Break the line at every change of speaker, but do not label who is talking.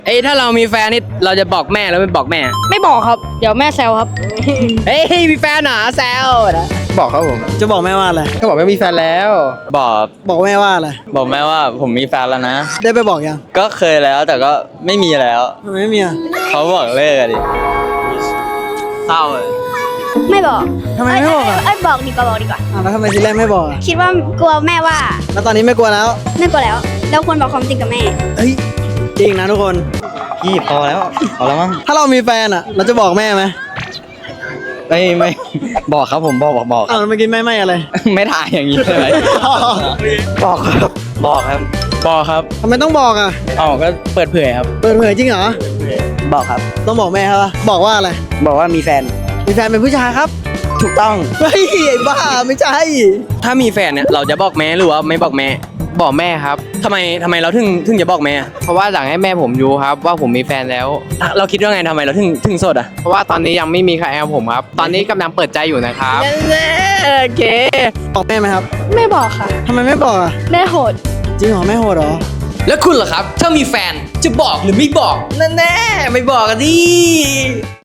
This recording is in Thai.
ถ้าเรามีแฟนนี่เราจะบอกแม่แล้วไม่บอกแม่
ไม่บอกครับ เดี๋ยวแม่แซวครับ
เฮ้ยมีแฟนเหรอแซวนะบอกครับผม
จะบอกแม่ว่าอะไร
ก็บอกไม่มีแฟนแล้ว
บอกแม่ว่าอะไร
บอกแม่ว่าผมมีแฟนแล้วนะ
ได้ไปบอกยัง
ก็เคยแล้วแต่ก็ไม่มีแล้ว
ทำไมไม่มีอ่ะ
เขาบอกเลิกอะดิเศร้าเลย
ไม่บอก
ทำไมไม่บอกอ่ะ
บอกดีกว่าบอกดีกว่า
แล้วทำไมทีแรกไม่บอกอ่ะ
คิดว่ากลัวแม่ว่า
แล้วตอนนี้ไม่กลัวแล้ว
ไม่กลัวแล้ว เราควรบอกความจริงกับแม่
เฮ้ยจริงนะทุกคน
พี่พอแล้วพอแล้วมั้ง
ถ้าเรามีแฟนอ่ะ เราจะบอกแม่ไหม
ไม่บอกครับผมบอก
อ้าวแล้วเมื่อกี้ไม่อะไร
ไม่ถ่ายอย่างนี้เลย บอกครับบอกครับ
บอกครับ
ทำไมต้องบอกอ่ะ
อ๋อก็เปิดเผยครับ
เปิดเผยจริงเหรอ
บอกครับ
ต้องบอกแม่ครับวะบอกว่าอะไร
บอกว่ามีแฟน
มีแฟนเป็นผู้ชายครับ
ถูกต้อง
เฮ้ยไอ้บ้าไม่ใช่
ถ้ามีแฟนเนี่ยเราจะบอกแม่หรือว่าไม่บอกแม่ บอกแม่ครับทำไมเราถึงจะบอกแม่ เพราะว่าอยากให้แม่ผมรู้ครับว่าผมมีแฟนแล้ว เราคิดว่าไงทำไมเราถึงโสดอ่ะเพราะว่าตอนนี้ยังไม่มีใครเอาผมครับ ตอนนี้กำลังเปิดใจอยู่นะครับโอเค
บอกแม่ไหมครับ
ไม่บอกค่ะ
ทำไมไม่บอกอ่ะ
แม่โหด
จริงเหรอแม่โหดเหรอ
แล้วคุณล่ะครับ ถ้ามีแฟนจะบอกหรือไม่บอกแน่ๆไม่บอกกันดิ